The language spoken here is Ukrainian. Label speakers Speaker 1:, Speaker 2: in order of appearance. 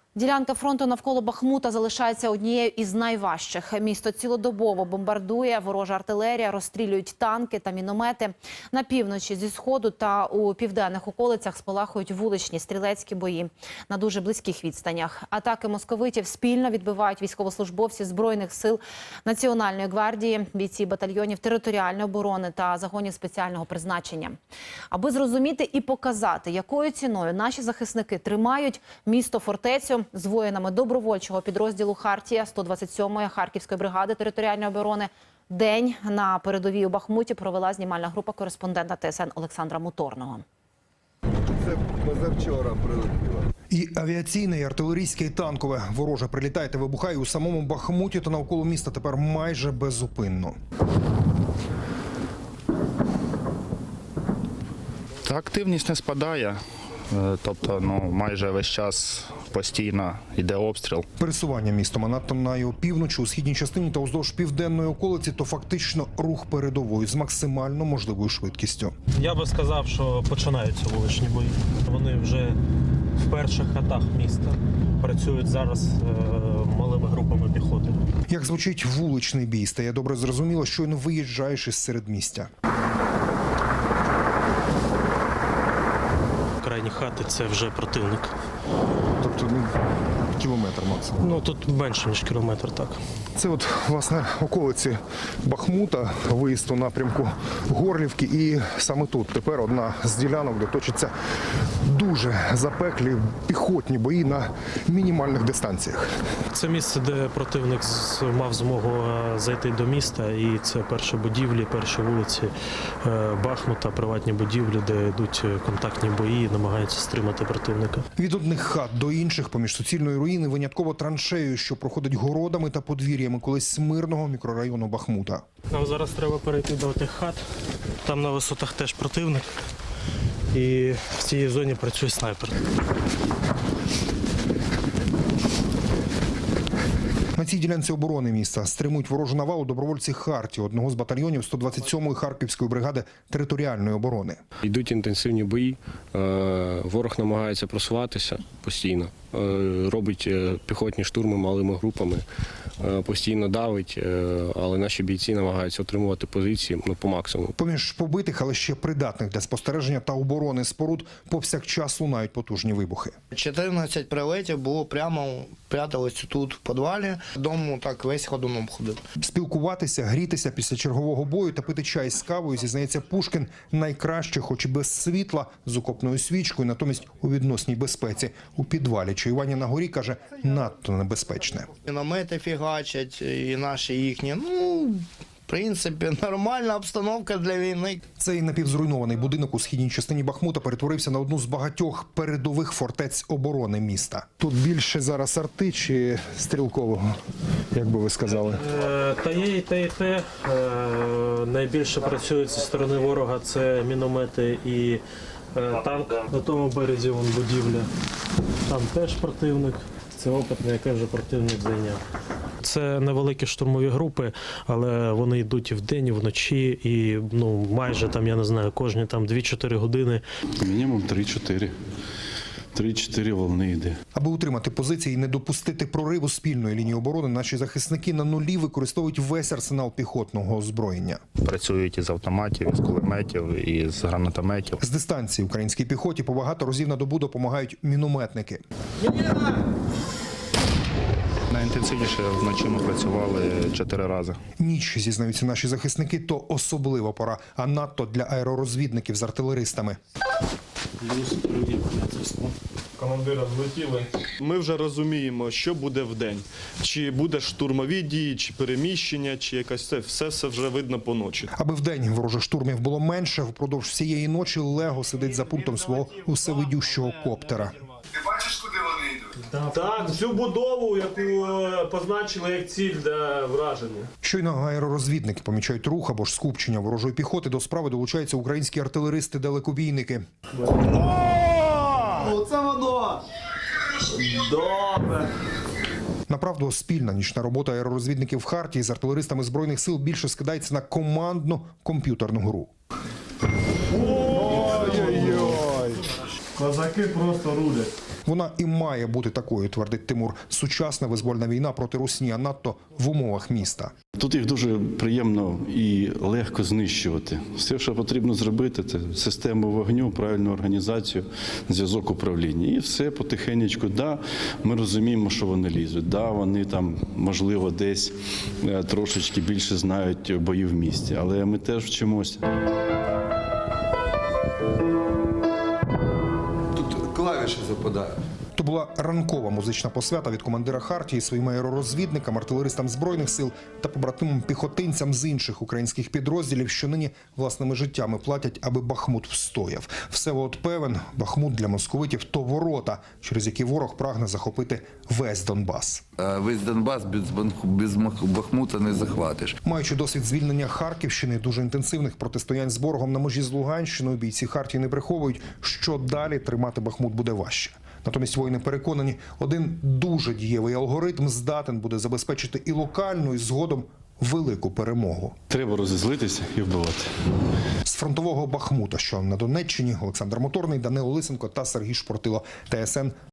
Speaker 1: Ділянка фронту навколо Бахмута залишається однією із найважчих. Місто цілодобово бомбардує ворожа артилерія, розстрілюють танки та міномети. На півночі зі сходу та у південних околицях спалахують вуличні стрілецькі бої на дуже близьких відстанях. Атаки московитів спільно відбивають військовослужбовці Збройних сил Національної гвардії, бійці батальйонів територіальної оборони та загонів спеціального призначення. Аби зрозуміти і показати, якою ціною наші захисники тримають місто-фортецю, з воїнами добровольчого підрозділу «Хартія» 127-ї Харківської бригади територіальної оборони день на передовій у Бахмуті провела знімальна група кореспондента ТСН Олександра Моторного.
Speaker 2: Це позавчора прилетіло.
Speaker 3: І авіаційне, і артилерійське, і танкове. Вороже прилітає та вибухає у самому Бахмуті та навколо міста тепер майже беззупинно.
Speaker 4: Та активність не спадає. Тобто, майже весь час постійно йде обстріл.
Speaker 3: Пересування містом, а надто на його півночі, у східній частині та уздовж південної околиці, то фактично рух передової з максимально можливою швидкістю.
Speaker 5: Я би сказав, що починаються вуличні бої. Вони вже в перших хатах міста працюють зараз малими групами піхоти.
Speaker 3: Як звучить вуличний бій, стає добре зрозуміло, щойно виїжджаєш із середмістя.
Speaker 5: Крайні хати – це вже противник.
Speaker 3: Тобто, кілометр максимум.
Speaker 5: Тут менше, ніж кілометр, так.
Speaker 3: Це от, власне, околиці Бахмута, виїзд у напрямку Горлівки. І саме тут тепер одна з ділянок, де точаться дуже запеклі піхотні бої на мінімальних дистанціях.
Speaker 5: Це місце, де противник мав змогу зайти до міста. І це перші будівлі, перші вулиці Бахмута, приватні будівлі, де йдуть контактні бої, намагаються стримати противника.
Speaker 3: Від одних хат до інших поміж суцільної руїни винятково траншею, що проходить городами та подвір'ями колись мирного мікрорайону Бахмута.
Speaker 5: Нам зараз треба перейти до тих хат. Там на висотах теж противник. І в цій зоні працює снайпер.
Speaker 3: На цій ділянці оборони міста стримують ворожу навалу добровольці «Хартії», одного з батальйонів 127-ї Харківської бригади територіальної оборони.
Speaker 6: Йдуть інтенсивні бої, ворог намагається просуватися постійно, робить піхотні штурми малими групами, постійно давить, але наші бійці намагаються отримувати позиції по максимуму.
Speaker 3: Поміж побитих, але ще придатних для спостереження та оборони споруд повсякчас лунають потужні вибухи.
Speaker 7: 14 прильотів було прямо, пряталися тут в підвалі. Дому так весь ходуном ходив.
Speaker 3: Спілкуватися, грітися після чергового бою та пити чай з кавою, зізнається Пушкін, найкраще, хоч і без світла, з окопною свічкою, натомість у відносній безпеці. У підвалі чаювання на горі, каже, надто небезпечне.
Speaker 7: Міномети фігачать, і наші, і їхні. В принципі, нормальна обстановка для війни.
Speaker 3: Цей напівзруйнований будинок у східній частині Бахмута перетворився на одну з багатьох передових фортець оборони міста. Тут більше зараз арти чи стрілкового, як би ви сказали?
Speaker 5: Та є і те, і те. Найбільше працюють зі сторони ворога – це міномети і танк. На тому березі вон будівля. Там теж противник. Це опитне, яке вже противник зайняв. Це невеликі штурмові групи, але вони йдуть і вдень, і вночі, і майже кожні 2-4 години.
Speaker 8: Мінімум 3-4. 3-4 волни йде.
Speaker 3: Аби утримати позиції і не допустити прориву спільної лінії оборони, наші захисники на нулі використовують весь арсенал піхотного озброєння.
Speaker 4: Працюють із автоматів, із кулеметів, із гранатометів.
Speaker 3: З дистанції українській піхоті по багато разів на добу допомагають мінометники.
Speaker 4: Найінтенсивніше вночі ми працювали 4 рази.
Speaker 3: Ніч, зізнаються наші захисники, то особлива пора, а надто для аеророзвідників з артилеристами.
Speaker 5: Командира злетіли.
Speaker 9: Ми вже розуміємо, що буде вдень. Чи буде штурмові дії, чи переміщення, чи якась це. Все вже видно по ночі.
Speaker 3: Аби вдень ворожих штурмів було менше, впродовж всієї ночі Лего сидить за пультом свого усевидющого коптера.
Speaker 2: Ти бачиш, куди вони йдуть?
Speaker 5: Так, всю будову, яку позначили як ціль для враження.
Speaker 3: Щойно аеророзвідники помічають рух або ж скупчення ворожої піхоти, до справи долучаються українські артилеристи-далекобійники.
Speaker 7: Оце воно!
Speaker 5: Добре.
Speaker 3: Направду, спільна нічна робота аеророзвідників «Хартії» з артилеристами Збройних сил більше скидається на командну комп'ютерну гру.
Speaker 5: Козаки просто рулять.
Speaker 3: Вона і має бути такою, твердить Тимур. Сучасна визвольна війна проти русні, а надто в умовах міста.
Speaker 8: Тут їх дуже приємно і легко знищувати. Все, що потрібно зробити, це систему вогню, правильну організацію, зв'язок управління. І все потихенечку. Да, ми розуміємо, що вони лізуть. Да, вони там, можливо, десь трошечки більше знають бої в місті. Але ми теж вчимося.
Speaker 2: Тут клавіші западають.
Speaker 3: То була ранкова музична посвята від командира Хартії своїм аеророзвідникам, артилеристам Збройних сил та побратимам піхотинцям з інших українських підрозділів, що нині власними життями платять, аби Бахмут встояв. Всеволод певен, Бахмут для московитів – то ворота, через які ворог прагне захопити весь Донбас.
Speaker 2: Весь Донбас без Бахмута не захватиш.
Speaker 3: Маючи досвід звільнення Харківщини, дуже інтенсивних протистоянь з ворогом на межі з Луганщиною, бійці Хартії не приховують, що далі тримати Бахмут буде важче. Натомість воїни переконані, один дуже дієвий алгоритм здатен буде забезпечити і локальну, і згодом велику перемогу.
Speaker 8: Треба розізлитися і вбивати.
Speaker 3: З фронтового Бахмута, що на Донеччині, Олександр Моторний, Данило Лисенко та Сергій Шпортило, ТСН